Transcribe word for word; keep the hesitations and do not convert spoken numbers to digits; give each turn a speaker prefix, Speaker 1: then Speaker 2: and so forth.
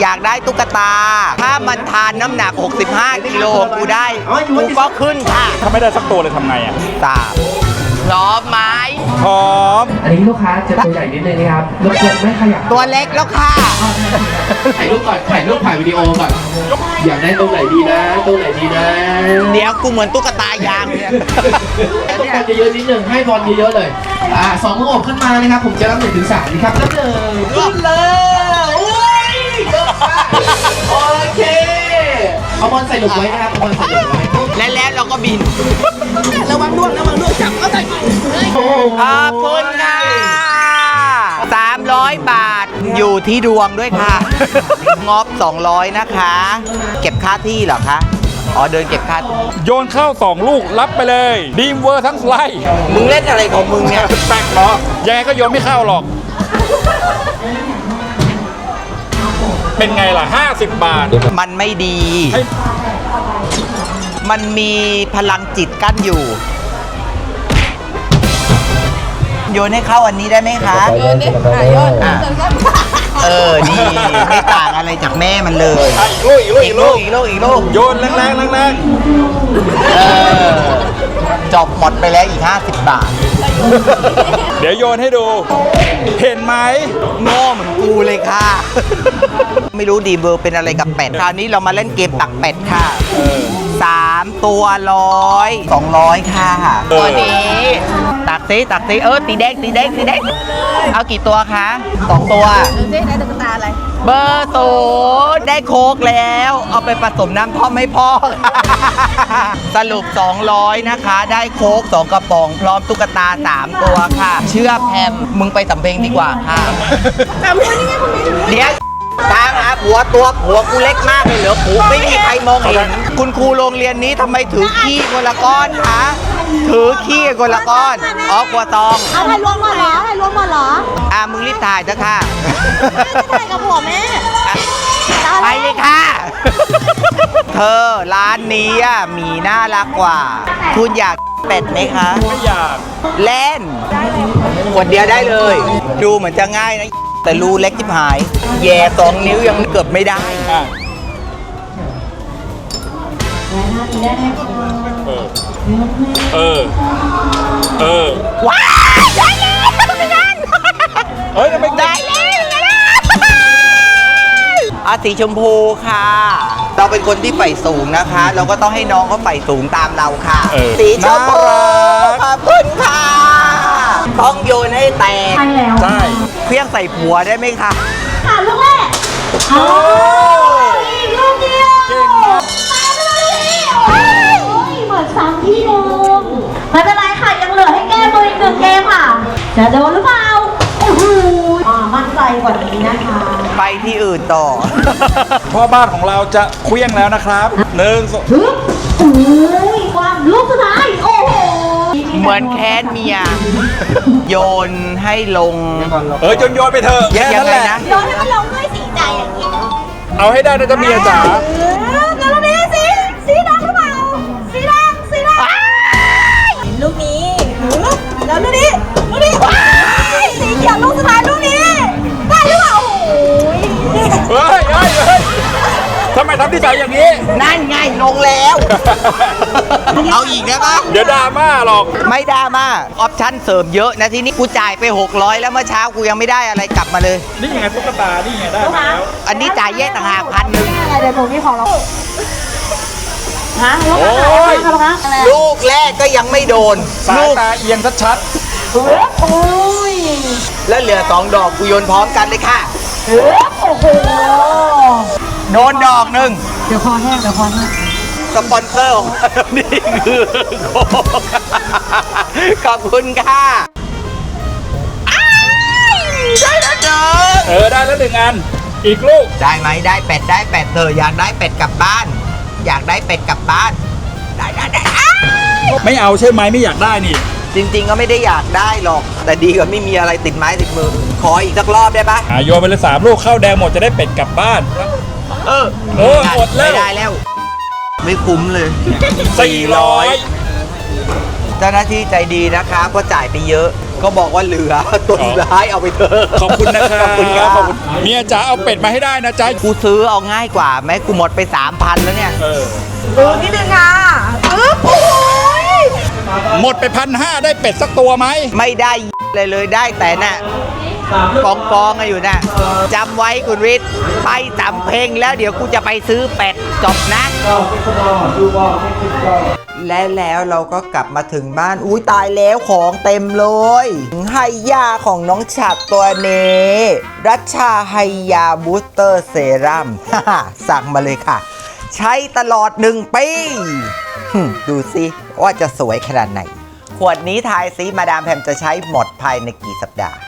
Speaker 1: อยากได้ตุ๊กตาถ้ามันทานน้ำหนักหกสิบห้ากิโลกูได้กูก็ขึ้นค่ะ
Speaker 2: ถ้าไม่ได้สักตัวเลยทำไงอ่ะ
Speaker 1: ตามพร้อมไหม
Speaker 2: พร้อม
Speaker 3: อันนี้ลูกค้าจะตัวใหญ่นิดนึงนะครับรบกวนไม่ขยับ
Speaker 1: ตัวเล็กแล้วค่ะ
Speaker 3: ถ่ายรูปก่อนถ่ายรูปถ่ายวิดีโอก่อนอยากได้ตรงไหนดีนะตรงไหนดีนะ
Speaker 1: เดี๋ยวกูเหมือนตุ๊กตายางเนี่ย
Speaker 3: ต้องการเยอะๆนิดนึงให้บอลเยอะๆเลยอ่าสองมืออบขึ้นมานะครับผมจะรับหนึ่งถึงสามนะครับรับหนึ่งขึ้นเลยโอ้ยเยอะมากโอเคเอาบอลใส่หลุมไว้นะครับเอาบอลใส่หลุมไว้
Speaker 1: และแล้วเราก็บิน
Speaker 3: ระวังล่วงระวังล่วงจับเอาใส่
Speaker 1: ขอบคุณค่ะสามร้อยบาทอยู่ที่ดวงด้วยค่ะงบสองร้อยนะคะเก็บค่าที่เหรอคะอ๋อเดินเก็บค่า
Speaker 2: โยนเข้าสองลูกรับไปเลยดีมเวอร์ทั้งสไลด์
Speaker 1: มึงเล่นอะไรของมึงเนี่ย
Speaker 2: แปลกเนาะยังไงก็โยนไม่เข้าหรอกเป็นไงล่ะห้าสิบบาท
Speaker 1: มันไม่ดีมันมีพลังจิตกั้นอยู่โยนให้เข้าอันนี้ได้ไหมคะโยนดิโยนเออดีไม่ต่างอะไรจากแม่มันเลย
Speaker 2: อีกลูกอีกลูก
Speaker 1: อีกลูกอีกลูก
Speaker 2: โยนแรงแรงแรงแรง
Speaker 1: เออจบหมดไปแล้วอีกห้าสิบบาท
Speaker 2: เดี๋ยวโยนให้ดูเห็นไหม
Speaker 1: โง่เหมือนกูเลยค่ะไม่รู้ดีเบอร์เป็นอะไรกับเป็ดคราวนี้เรามาเล่นเกมตักเป็ดค่ะสามตัวร้อยสองร้อยค่ะตัวนี้ตักซิตักซิเออตีแดงตีแดงตีแดงเอากี่ตัวคะสองตัว
Speaker 4: ดูสิได้ตุ๊กตาอะไร
Speaker 1: เบอร์ศูนย์ได้โค้กแล้วเอาไปผสมน้ำท่อมให้พ่อสรุปสองร้อยนะคะได้โค้กสองกระป๋องพร้อมตุ๊กตาสามตัวค่ะเชื่อแพมมึงไปสำเพ็งดีกว่าค่ะ
Speaker 4: สำเพ็งนี่ไงคุณแม่
Speaker 1: เดี๋ยวตามหาผัวตัวผัวกูเล็กมากเลยเหรอผัวไม่มีใครมองเห็นคุณครูโรงเรียนนี้ทำไมถือขี้คนละก้อนคะถือขี้คนละก้อนอ๋อกัวตอง
Speaker 4: เอาถ่ายรวมหมดเหรอถ่ายรวมหมดเหรอ
Speaker 1: อ่ะมึงรีบถ่ายเถอะค่ะ
Speaker 4: ถ่ายกับผัวแม่
Speaker 1: ไปเลยค่ะเธอร้านนี้มีน่ารักกว่าคุณอยากเป็ดไหมคะ
Speaker 2: ไม่อยาก
Speaker 1: เล่นขวดเดียวได้เลยดูเหมือนจะง่ายนะแต่รูเล็กที่หายแย่สองนิ้วยังเกือบไม่ได้
Speaker 2: เออเออเออ
Speaker 1: ว้าวได้แล้ว
Speaker 2: เฮ้ยไม่
Speaker 1: ได้แล้วอาสีชมพูค่ะเราเป็นคนที่ใฝ่สูงนะคะเราก็ต้องให้น้องเขาใฝ่สูงตามเราค่ะสีชมพูขอบคุณค่ะต้องโยนให้แตก
Speaker 2: ใช่
Speaker 1: เพี้ยงใส่ผัวได้ไหมคะ
Speaker 4: ค่ะลูกแรกโอ้ยลูกเดียวเก่งมากไปเลยโอ้ยเหมือนซ้ำที่เดิมไม่เป็นไรค่ะยังเหลือให้แก้มืออีกหนึ่งเกมค่ะจะโดนหรือเปล่าโอ้โหมั่นใจกว่านี้นะคะ
Speaker 1: ไปที่อื่นต่อ
Speaker 2: พ่อบ้านของเราจะเคลี้ยงแล้วนะครับหนึ่งสอง
Speaker 4: โอ้ยความลูกสุดท้ายโอ้โห
Speaker 1: เหมือนแค้นเมียโยนให้ลง
Speaker 2: เออจนโยนไปเถอะ
Speaker 1: แค่นั้นแหละ
Speaker 4: โยนให้มันลงด้วยสีใจอย่างนี้
Speaker 2: เอาให้ได้นะจ๊ะเมียจ๋า
Speaker 4: แล้วลูกนี้สีสีแดงหรือเปล่าสีแดงสีแดงลูกนี้แล้วลูกนี้ลูกนี้สีเขียวลูกสุดท้ายลูกนี้ได้หรือเปล่า
Speaker 2: เฮ้ยเฮ้ยเฮ้ยทำไมทำที่ใจอย่างนี้
Speaker 1: นั่นไงลงแล้วเอาอีกได้ปะ
Speaker 2: เดี๋ยวดราม่าหรอก
Speaker 1: ไม่ดราม่าออปชั่นเสริมเยอะนะทีนี้กูจ่ายไปหกร้อยแล้วเมื่อเช้ากูยังไม่ได้อะไรกลับมาเลย
Speaker 2: นี่ไงตุ๊กตานี่ไงได้แล้ว
Speaker 1: อันนี้จ่ายแยกต่างหากพันหนึ่ง
Speaker 4: เดี๋ยวหนูมีของเราฮะลูก
Speaker 1: ลูกแรกก็ยังไม่โดน
Speaker 2: ลูกตาเอียงชัด
Speaker 4: ๆโอ้ย
Speaker 1: แล้วเหลือสองดอกกูโยนพร้อมกันเลยค่ะ
Speaker 4: โอ้โห
Speaker 1: โดนดอกหนึ่ง
Speaker 4: เดี๋ยวคอแห้งเดี๋ยวคอแห้ง
Speaker 1: สปอนเซอร์ของนี่คือขอบคุณค่ะได้แล้วเด้อ
Speaker 2: เออได้แล้วหนึ่งอันอีกลูก
Speaker 1: ได้ไหมได้เป็ดได้เป็ดเธออยากได้เป็ดกลับบ้านอยากได้เป็ดกลับบ้านได้ได้ได้
Speaker 2: ไม่เอาใช่ไหมไม่อยากได้นี่
Speaker 1: จริงๆก็ไม่ได้อยากได้หรอกแต่ดีกว่าไม่มีอะไรติดไม้ติดมือขออีกสักรอบได้ปะ
Speaker 2: อ่ะโยนไปเลยสามลูกเข้าแดงหมดจะได้เป็ดกลับบ้าน
Speaker 1: เออ
Speaker 2: เออหมดแล้ว
Speaker 1: ไม่ได้แล้วไม่คุ้มเลย
Speaker 2: สี่ร้อย
Speaker 1: เจ้าหน้าที่ใจดีนะคะเพราะจ่ายไปเยอะก็บอกว่าเหลือตัวสุดท้ายเอาไปเถอะ
Speaker 2: ขอบคุณนะครับ
Speaker 1: ขอบคุณครับ
Speaker 2: ขอบคุณเมียจ๋าเอาเป็ดมาให้ได้นะจ๊ะ
Speaker 1: กูซื้อเอาง่ายกว่าไหมกูหมดไปสามพันแล้วเนี่ย
Speaker 2: เออ
Speaker 4: ดูนิดนึงค่ะอึ๊บโอ้ย
Speaker 2: หมดไปพันห้าได้เป็ดสักตัวไหม
Speaker 1: ไม่ได้เลยเลยได้แต่น่ะกองกองๆกันอยู่น่ะจำไว้คุณวิทย์ไปสำเพ็งแล้วเดี๋ยวกูจะไปซื้อเป็ดจบนะ และแล้วเราก็กลับมาถึงบ้านอุ้ยตายแล้วของเต็มเลยไฮยาของน้องฉัดตัวนี้รัชชาไฮยาบูสเตอร์เซรั่ม สั่งมาเลยค่ะ ใช้ตลอดหนึ่งปีหึดูสิว่าจะสวยขนาดไหน ขวดนี้ทายซิมาดามแพมจะใช้หมดภายในกี่สัปดาห์